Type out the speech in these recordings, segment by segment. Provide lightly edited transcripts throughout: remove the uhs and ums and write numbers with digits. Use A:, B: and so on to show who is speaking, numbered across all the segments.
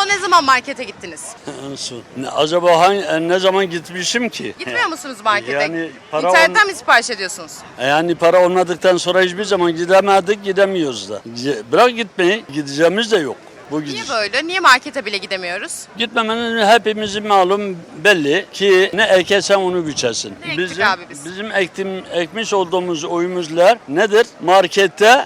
A: son ne zaman markete gittiniz?
B: Acaba ne zaman gitmişim ki?
A: Gitmiyor musunuz markete?
B: Yani para
A: İnternetten mi sipariş ediyorsunuz?
B: Yani para olmadıktan sonra hiçbir zaman gidemedik, gidemiyoruz da. Bırak gitmeyi, gideceğimiz de yok. Bu
A: Niye
B: gidiş.
A: böyle? Niye markete bile gidemiyoruz?
B: Gitmemenin hepimizin malum belli ki ne ekersen onu biçersin.
A: Ne ektik abi biz?
B: Bizim ekmiş olduğumuz oyumuzlar nedir? Markette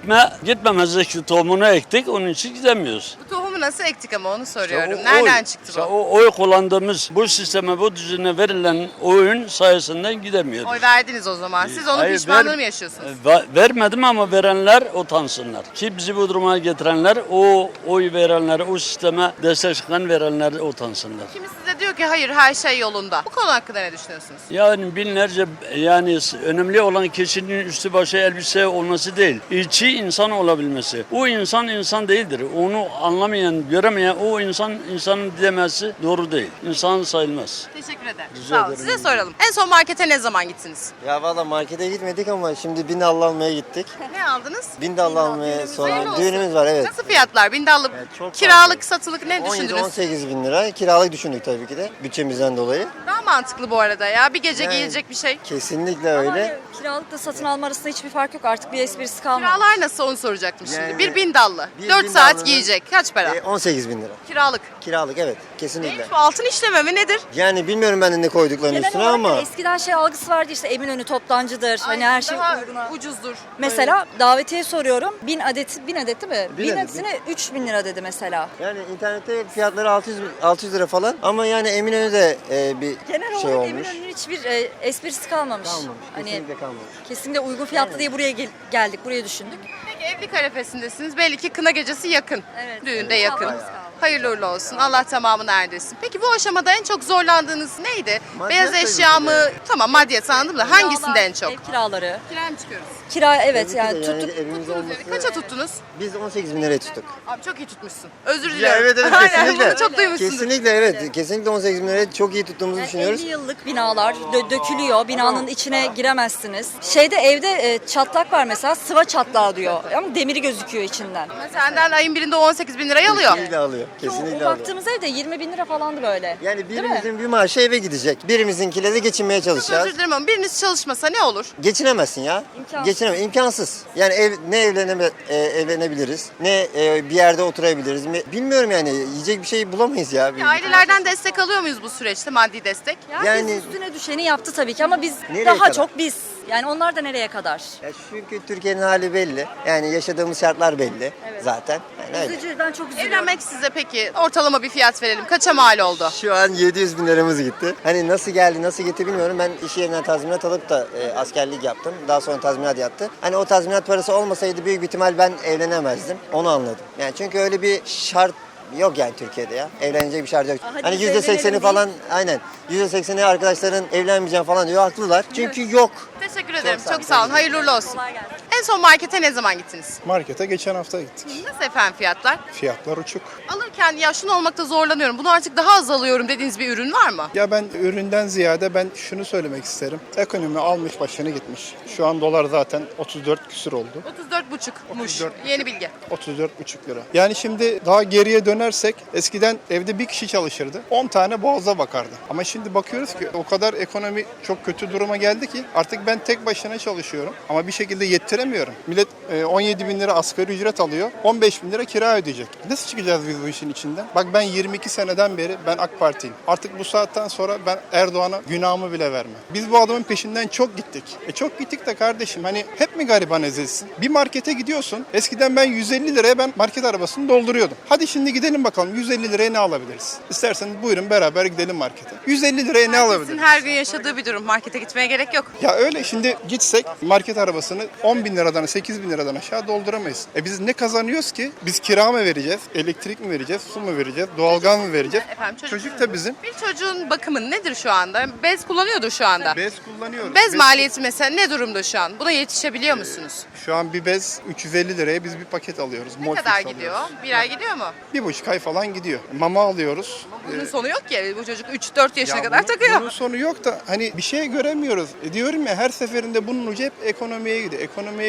B: gitmemezlik tohumunu ektik, onun için gidemiyoruz.
A: Bu tohumu nasıl ektik ama onu soruyorum.
B: İşte
A: Nereden çıktı bu?
B: O oy kullandığımız bu sisteme, bu düzene verilen oyun sayesinde gidemiyoruz.
A: Oy verdiniz o zaman. Siz onun
B: Hayır,
A: pişmanlığını mı yaşıyorsunuz?
B: Vermedim ama verenler utansınlar. Ki bizi bu duruma getirenler, o oy verenler, o sisteme destek çıkan verenler utansınlar.
A: Kimi size diyor ki hayır her şey yolunda. Bu konu hakkında ne düşünüyorsunuz?
B: Yani binlerce, yani önemli olan kişinin üstü başı elbise olması değil. İçi insan olabilmesi. O insan değildir. Onu anlamayan, göremeyen o insan demesi doğru değil. İnsan sayılmaz.
A: Teşekkür ederim.
B: Rica
A: Sağ olun.
B: ederim.
A: Size soralım. En son markete ne zaman gittiniz?
C: Ya valla markete gitmedik ama şimdi bindallı almaya gittik.
A: Ne aldınız?
C: Bindallı almaya
A: Hayırlı
C: sonra
A: olsun.
C: düğünümüz var, evet.
A: Nasıl fiyatlar? Bindallı
C: Evet, çok
A: kiralık, satılık ne düşündünüz?
C: 17-18 bin lira kiralık düşündük tabii ki de bütçemizden dolayı.
A: Daha mantıklı bu arada ya. Bir gece
C: Yani-
A: giyilecek bir şey.
C: Kesinlikle
D: Ama
C: öyle.
D: kiralıkla satın alma arasında hiçbir fark yok. Artık bir esprisi kalmadı.
A: Kiralar nasıl onu soracaktım şimdi.
C: Yani
A: Bir bindallı.
C: bir
A: 4
C: bindallının-
A: saat giyecek. Kaç para?
C: 18 bin lira.
A: Kiralık.
C: Kiralık, evet, kesinlikle.
A: Neymiş bu altın işleme mi nedir?
C: Yani bilmiyorum ben de ne koyduklarını
D: Genel
C: üstüne
D: olarak
C: ama
D: eskiden şey algısı vardı işte Eminönü toptancıdır. Hani her şey
A: Daha
D: uyguna.
A: ucuzdur.
D: Mesela davetiye soruyorum. 1000 adet değil mi?
C: 1000
D: 1000
C: adet.
D: adetine 3000 lira dedi mesela.
C: yani internette fiyatları 600 lira falan ama yani Eminönü'de bir
D: Genel
C: şey
D: olarak
C: olmuş.
D: Eminönü'nün hiçbir esprisi kalmamış.
C: Kalmamış,
D: Hani
C: kesinlikle kalmamış.
D: kesinlikle uygun fiyatlı diye buraya geldik, buraya düşündük.
A: Peki evlilik arifesindesiniz. Belli ki kına gecesi yakın.
D: Evet.
A: Düğünde
D: Evet.
A: yakın.
D: Bayağı.
A: Hayırlı uğurlu olsun. Allah tamamını erdirsin. Peki bu aşamada en çok zorlandığınız neydi?
C: Maddiyat
A: Beyaz
C: tabii
A: eşya
C: ki
A: mı?
C: de.
A: Tamam maddiyat anladım da hangisinde en çok?
D: Ev kiraları.
A: Kiraya mı çıkıyoruz?
D: Kira evet
C: Tabii ki
D: yani
C: de
D: tuttuk.
C: evimiz
A: Tuttunuz
C: olması.
A: yani. Kaça tuttunuz?
C: Biz 18 bin liraya tuttuk.
A: Abi çok iyi tutmuşsun. Özür
C: Ya
A: diliyorum.
C: evet, evet,
A: Aynen,
C: kesinlikle.
A: bunu çok duymuşsundur.
C: Kesinlikle evet. Kesinlikle 18 bin liraya çok iyi tuttuğumuzu
D: Yani
C: düşünüyoruz.
D: 50 yıllık binalar dökülüyor. Binanın içine giremezsiniz. Şeyde evde çatlak var mesela. Sıva çatlağı diyor. Ama demiri gözüküyor içinden.
A: Ama senden ayın birinde 18 bin lirayı alıyor.
C: Kesinlikle alıyor.
D: O
C: Kesinlikle alıyor.
D: baktığımız evde 20 bin lira falandı böyle.
C: Yani
D: Değil mi?
C: birimizin bir maaşı eve gidecek. Birimizinkiyle de geçinmeye
A: Çok
C: çalışacağız.
A: özür dilerim ama biriniz çalışmasa ne olur?
C: Geçinemezsin ya.
D: İmkansız.
C: İmkansız. Yani evlenebiliriz, ne bir yerde oturabiliriz. Bilmiyorum yani yiyecek bir şey bulamayız ya.
A: Ailelerden destek alıyor muyuz bu süreçte, maddi destek?
C: Yani-
D: üstüne düşeni yaptı tabii ki ama biz
C: Nereye
D: daha
C: kadar?
D: çok biz. Yani onlar da nereye kadar?
C: Ya çünkü Türkiye'nin hali belli. Yani yaşadığımız şartlar belli zaten. Yani öyle.
D: Üzücü, ben çok üzülüyorum.
A: Evlenmek size peki ortalama bir fiyat verelim. Kaça mal oldu?
C: Şu an 700 bin liramız gitti. Hani nasıl geldi, nasıl gitti bilmiyorum. Ben iş yerinden tazminat alıp da askerlik yaptım. Daha sonra tazminat yattı. Hani o tazminat parası olmasaydı büyük bir ihtimal ben evlenemezdim. Onu anladım. Yani çünkü öyle bir şart yok yani Türkiye'de ya. Evlenecek bir şart yok.
D: Hadi
C: Hani
D: biz
C: %80'i
D: evlenelim
C: falan aynen. %80'i arkadaşların evlenmeyeceğim falan diyor. Haklılar. Çünkü yok.
A: Teşekkür ederim.
C: sağ olun.
A: Çok sağ olun. Hayırlı uğurlu olsun.
D: Kolay gelsin.
A: En son markete ne zaman gittiniz?
E: Markete geçen hafta gittik.
A: Nasıl efendim fiyatlar?
E: Fiyatlar uçuk.
A: Alırken ya şunu olmakta zorlanıyorum. Bunu artık daha az alıyorum dediğiniz bir ürün var mı?
E: Ya ben üründen ziyade ben şunu söylemek isterim. Ekonomi almış başını gitmiş. Şu an dolar zaten 34 küsür oldu.
A: 34,5'muş.
E: 34,5.
A: Yeni bilgi.
E: 34,5 lira. Yani şimdi daha geriye dönersek eskiden evde bir kişi çalışırdı. 10 tane boğaza bakardı. Ama şimdi bakıyoruz ki o kadar ekonomi çok kötü duruma geldi ki artık ben tek başına çalışıyorum. Ama bir şekilde yettiremiyorum. Millet 17 bin lira asgari ücret alıyor. 15 bin lira kira ödeyecek. Nasıl çıkacağız biz bu işin içinden? Bak ben 22 seneden beri ben AK Parti'yim. Artık bu saatten sonra ben Erdoğan'a günahımı bile vermem. Biz bu adamın peşinden çok gittik. Çok gittik de kardeşim hani hep mi gariban ezilsin? Bir markete gidiyorsun. Eskiden ben 150 liraya ben market arabasını dolduruyordum. Hadi şimdi gidelim bakalım 150 liraya ne alabiliriz? İsterseniz buyurun beraber gidelim markete. 150 liraya ne
A: Sizin
E: alabiliriz?
A: her gün yaşadığı bir durum. Markete gitmeye gerek yok.
E: Ya öyle şimdi gitsek market arabasını 10 bin liradan 8 bin liradan aşağı dolduramayız. Biz ne kazanıyoruz ki? Biz kira mı vereceğiz? Elektrik mi vereceğiz? Su mu vereceğiz? Doğalgaz mı vereceğiz?
A: Efendim,
E: Çocuk da bizim.
A: Bir çocuğun bakımı nedir şu anda? Bez kullanıyordur şu anda.
E: Bez kullanıyoruz.
A: Bez maliyeti mesela ne durumda şu an? Buna yetişebiliyor musunuz?
E: Şu an bir bez 350 liraya biz bir paket alıyoruz.
A: Ne
E: Molfix
A: kadar
E: alıyoruz.
A: gidiyor? Bir ay gidiyor mu?
E: 1,5 ay falan gidiyor. Mama alıyoruz.
A: Bunun sonu yok ki. Bu çocuk 3-4 yaşına
E: Ya
A: kadar
E: bunun-
A: takıyor.
E: Bunun sonu yok da hani bir şey göremiyoruz. Diyorum ya her seferinde bunun ucu hep ekonomiye gidiyor. Ekonomiye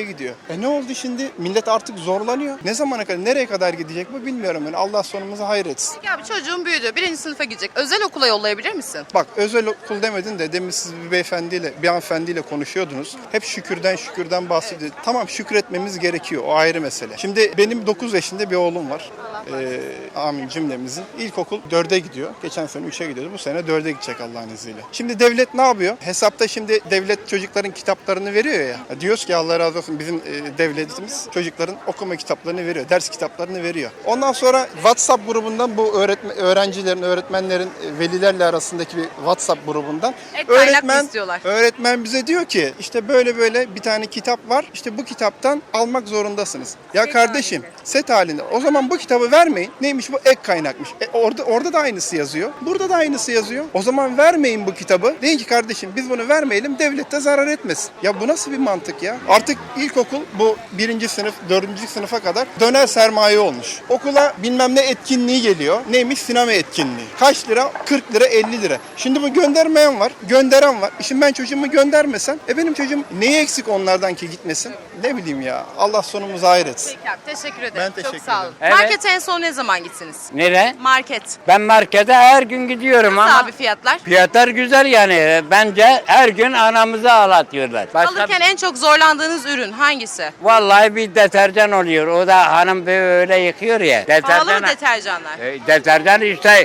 E: şeye gidiyor. Ne oldu şimdi? Millet artık zorlanıyor. Ne zamana kadar, nereye kadar gidecek bu bilmiyorum. Yani Allah sonumuzu hayretsin.
A: Peki abi çocuğun büyüdü. 1. sınıfa gidecek. Özel okula yollayabilir misin?
E: Bak özel okul demedin de demin siz bir hanımefendiyle konuşuyordunuz. Hep şükürden bahsediyor. Tamam şükretmemiz gerekiyor. O ayrı mesele. Şimdi benim 9 yaşında bir oğlum var. Amin cümlemizin. İlkokul 4'e gidiyor. Geçen sene 3'e gidiyordu. Bu sene 4'e gidecek Allah'ın izniyle. Şimdi devlet ne yapıyor? Hesapta şimdi devlet çocukların kitaplarını veriyor ya. Diyoruz ki Allah razı olsun bizim devletimiz çocukların okuma kitaplarını veriyor. Ders kitaplarını veriyor. Ondan sonra WhatsApp grubundan bu öğrencilerin, öğretmenlerin velilerle arasındaki bir WhatsApp grubundan
A: Kaynak mı istiyorlar?
E: öğretmen bize diyor ki işte böyle bir tane kitap var. İşte bu kitaptan almak zorundasınız. Ya kardeşim set halinde. O zaman bu kitabı vermeyin. Neymiş bu? Ek kaynakmış. Orada da aynısı yazıyor. Burada da aynısı yazıyor. O zaman vermeyin bu kitabı. Deyin ki kardeşim biz bunu vermeyelim. Devlet de zarar etmesin. Ya bu nasıl bir mantık ya? Artık ilkokul bu 1. sınıf, 4. sınıfa kadar döner sermaye olmuş. Okula bilmem ne etkinliği geliyor. Neymiş? Sinema etkinliği. Kaç lira? 40 lira, 50 lira. Şimdi bu göndermeyen var, gönderen var. Şimdi ben çocuğumu göndermesem, benim çocuğum neyi eksik onlardan ki gitmesin? Ne bileyim ya. Allah sonumuzu hayretsin.
A: Peki abi teşekkür ederim.
E: Ben
A: Çok
E: teşekkür
A: sağ olun.
E: ederim.
F: Evet.
A: Markete en son ne zaman gittiniz?
F: Nere?
A: Market.
F: Ben markete her gün gidiyorum
A: Nasıl
F: ama
A: abi fiyatlar?
F: fiyatlar güzel yani. Bence her gün anamızı ağlatıyorlar.
A: Alırken en çok zorlandığınız ürün hangisi?
F: Vallahi bir deterjan oluyor. O da hanım böyle yıkıyor ya.
A: Pahalı mı deterjanlar?
F: Deterjan işte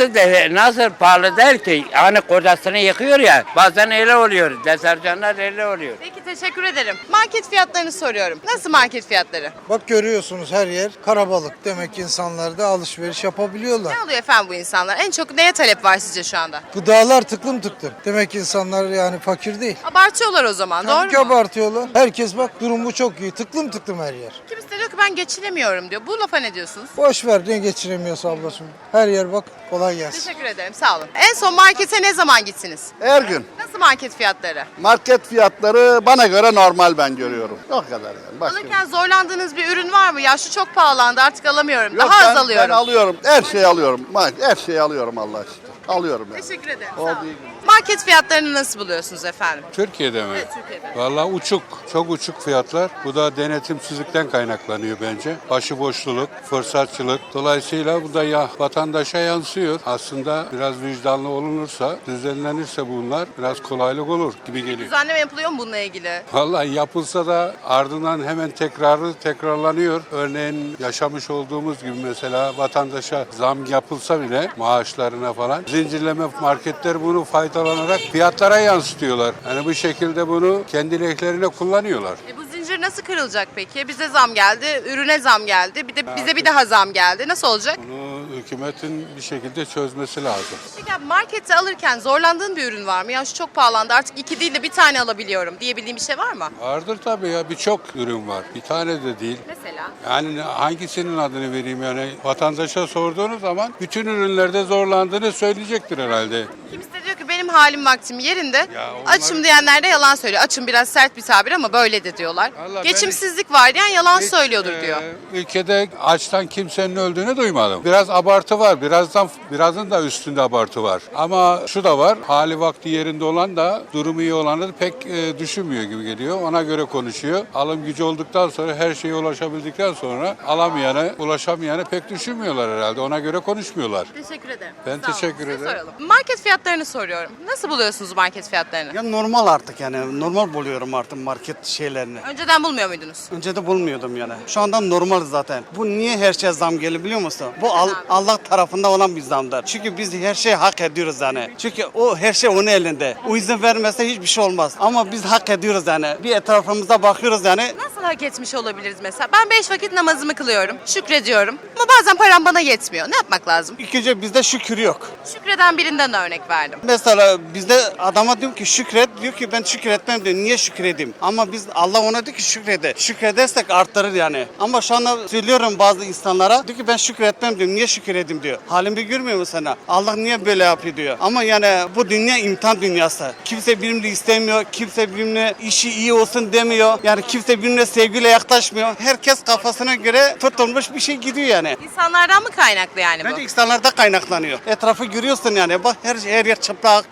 F: nasıl pahalı değil ki? Hani kocasını yıkıyor ya. Bazen öyle oluyor. Deterjanlar öyle oluyor.
A: Peki teşekkür ederim. Market fiyatlarını soruyorum. Nasıl market fiyatları?
G: Bak görüyorsunuz her yer karabalık. Demek ki insanlar da alışveriş yapabiliyorlar.
A: Ne alıyor efendim bu insanlar? En çok neye talep var sizce şu anda?
G: Gıdalar tıklım tıklım. Demek ki insanlar yani fakir değil.
A: Abartıyorlar o zaman
G: Tabii ki
A: doğru mu?
G: abartıyorlar. Herkes bak durumu çok iyi. Tıklım tıklım her yer.
A: Kimisi de diyor ki ben geçinemiyorum diyor. Bu lafa ne diyorsunuz?
G: Boş ver ne geçiremiyorsa ablacığım. Her yer bak kolay gelsin.
A: Teşekkür ederim sağ olun. En son markete ne zaman gittiniz?
H: Her gün.
A: Nasıl market fiyatları?
H: Market fiyatları bana göre normal ben görüyorum. O kadar yani. Başka
A: Alırken zorlandığınız bir ürün var mı? Ya şu çok pahalandı artık alamıyorum.
H: Yok,
A: Daha az
H: ben
A: alıyorum.
H: alıyorum. Her şeyi alıyorum. Her şeyi alıyorum Allah aşkına. Alıyorum yani.
A: Teşekkür ederim.
H: Oldu,
A: Sağ olun.
H: iyi günler.
A: Market fiyatlarını nasıl buluyorsunuz efendim?
I: Türkiye'de mi?
A: Evet, Türkiye'de.
I: Vallahi uçuk, çok uçuk fiyatlar. Bu da denetimsizlikten kaynaklanıyor bence. Başıboşluluk, fırsatçılık. Dolayısıyla bu da ya vatandaşa yansıyor. Aslında biraz vicdanlı olunursa, düzenlenirse bunlar biraz kolaylık olur gibi geliyor.
A: Düzenleme yapılıyor mu bununla ilgili?
I: Vallahi yapılsa da ardından hemen tekrarlanıyor. Örneğin yaşamış olduğumuz gibi mesela vatandaşa zam yapılsa bile maaşlarına falan zincirleme marketler bunu faydalanarak fiyatlara yansıtıyorlar. Yani bu şekilde bunu kendi lehlerine kullanıyorlar.
A: Bu zincir nasıl kırılacak peki? Bize zam geldi, ürüne zam geldi, bir de bize bir daha zam geldi. Nasıl olacak?
I: Bunu hükümetin bir şekilde çözmesi lazım.
A: Peki abi markette alırken zorlandığın bir ürün var mı? Ya şu çok pahalandı artık 2 değil de bir tane alabiliyorum diyebildiğin bir şey var mı?
I: Vardır tabii ya, birçok ürün var. Bir tane de değil.
A: Mesela?
I: Yani hangisinin adını vereyim yani vatandaşa sorduğunuz zaman bütün ürünlerde zorlandığını söyleyecektir herhalde.
A: Kimisi de diyor ki benim halim vaktim yerinde.
I: Ya onlar-
A: Açım diyenler de yalan söylüyor. Açım biraz sert bir tabir ama böyle de diyorlar.
I: Vallahi
A: Geçimsizlik var diyen yalan
I: Hiç,
A: söylüyordur diyor.
I: Ülkede açtan kimsenin öldüğünü duymadım. Biraz abartı var. Birazın da üstünde abartı var. Ama şu da var. Hali vakti yerinde olan da durumu iyi olanı pek düşünmüyor gibi geliyor. Ona göre konuşuyor. Alım gücü olduktan sonra her şeye ulaşabildikten sonra alamayanı, ulaşamayanı pek düşünmüyorlar herhalde. Ona göre konuşmuyorlar.
A: Teşekkür ederim.
I: Ben
A: Sağ olun.
I: teşekkür
A: Size
I: ederim.
A: soralım. Market fiyatlarını soruyorum. Nasıl buluyorsunuz market fiyatlarını?
J: Ya normal artık yani normal buluyorum artık market şeylerini.
A: Önceden bulmuyor muydunuz?
J: Önce de bulmuyordum yani. Şu anda normal zaten. Bu niye her şey zam geliyor biliyor musun? Bu Allah tarafında olan bir zamdır. Çünkü biz her şeyi hak ediyoruz yani. Çünkü o her şey onun elinde. O izin vermezse hiçbir şey olmaz. Ama biz hak ediyoruz yani. Bir etrafımıza bakıyoruz yani.
A: Nasıl hak etmiş olabiliriz mesela? Ben 5 vakit namazımı kılıyorum, şükrediyorum. Ama bazen param bana yetmiyor. Ne yapmak lazım?
J: İlk önce bizde şükür yok.
A: Şükreden birinden örnek verdim.
J: Mesela bizde adama diyorum ki şükret, diyor ki ben şükretmem diyor. Niye şükredeyim? Ama biz Allah ona diyor ki şükrede. Şükredersek arttırır yani. Ama şu anda söylüyorum bazı insanlara diyor ki ben şükretmem diyor. Niye şükredeyim diyor. Halimi görmüyor musun sana? Allah niye böyle yapıyor diyor. Ama yani bu dünya imtihan dünyası. Kimse birbirini istemiyor. Kimse birbirine işi iyi olsun demiyor. Yani kimse birbirine sevgiyle yaklaşmıyor. Herkes kafasına göre tutulmuş bir şey gidiyor yani.
A: İnsanlardan mı kaynaklı yani bu?
J: Bence insanlarda kaynaklanıyor. Etrafı görüyorsun yani. Bak her yer çıplak,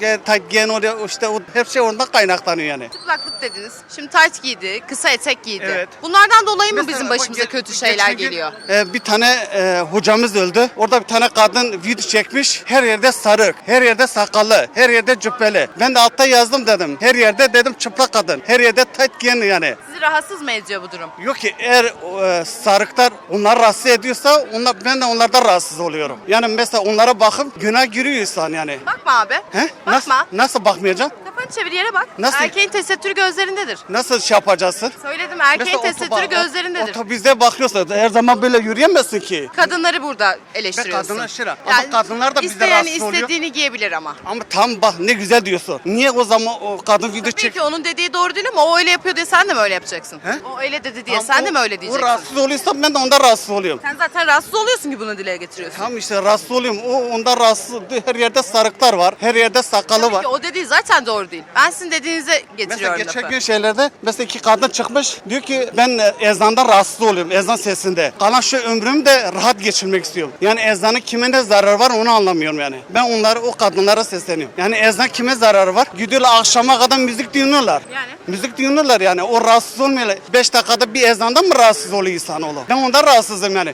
J: tayt giyen oraya işte her şey ondan kaynaklanıyor yani.
A: Çıplaklık dediniz. Şimdi tayt giydi, kısa etek giydi.
J: Evet.
A: Bunlardan dolayı mı
J: Mesela
A: bizim
J: bak,
A: başımıza kötü
J: geçen
A: şeyler
J: gün,
A: geliyor?
J: Bir tane hocamız öldü. Orada bir tane kadın video çekmiş. Her yerde sarık, her yerde sakallı, her yerde cübbeli. Ben de altta yazdım dedim. Her yerde dedim çıplak kadın. Her yerde tayt giyen yani.
A: Sizi rahatsız mı ediyor bu durum?
J: Yok ki eğer sarıklar onları rahatsız ediyorsa ben de onlardan rahatsız oluyorum. Yani mesela onlara bakıp günah giriyor insan yani.
A: Bakma abi.
J: He?
A: Bakma.
J: Nasıl bakmayacağım?
A: Kafanı çevir yere bak.
J: Nasıl?
A: Erkeğin tesettürü gözlerindedir.
J: Nasıl şey yapacaksın?
A: Söyledim erkeğin
J: Mesela
A: tesettürü gözlerindedir.
J: Otobüste bakıyorsa her zaman böyle yürüyemezsin ki.
A: Kadınları burada
J: Ve
A: eleştiriyorsun.
J: kadınlar şıra. Ama kadınlar da bizde
A: isteyen
J: rahatsız oluyor.
A: istediğini giyebilir ama.
J: Ama tam bak ne güzel diyorsun. Niye o zaman o kadın video
A: Tabii
J: çek?
A: ki onun dediği doğru değil ama o öyle yapıyor diye sen de mi öyle yapacaksın?
J: He?
A: O öyle dedi diye
J: Ama
A: sen de mi
J: o-
A: öyle
J: O
A: diyeceksin?
J: rahatsız oluyorsa ben de ondan rahatsız oluyorum.
A: Sen zaten rahatsız oluyorsun ki bunu dile getiriyorsun.
J: Tam işte rahatsız oluyorum. O ondan rahatsız. Her yerde sarıklar var. Her yerde sakalı
A: Tabii
J: var.
A: ki o dediği zaten doğru değil. Ben sizin dediğinize
J: Mesela
A: getiriyorum
J: geçen
A: lafı.
J: gün şeylerde mesela iki kadın çıkmış diyor ki ben ezandan rahatsız oluyorum ezan sesinde. Kalan şu ömrümü de rahat geçirmek istiyorum. Yani ezanın kime ne zararı var onu anlamıyorum yani. Ben o kadınlara sesleniyorum. Yani ezan kime zararı var? Gidiyorlar akşama kadar müzik dinliyorlar.
A: Yani?
J: Müzik dinliyorlar yani o rahatsız olmuyorlar. 5 dakikada bir ezandan mı rahatsız oluyor insanoğlu? Ben ondan rahatsızım yani.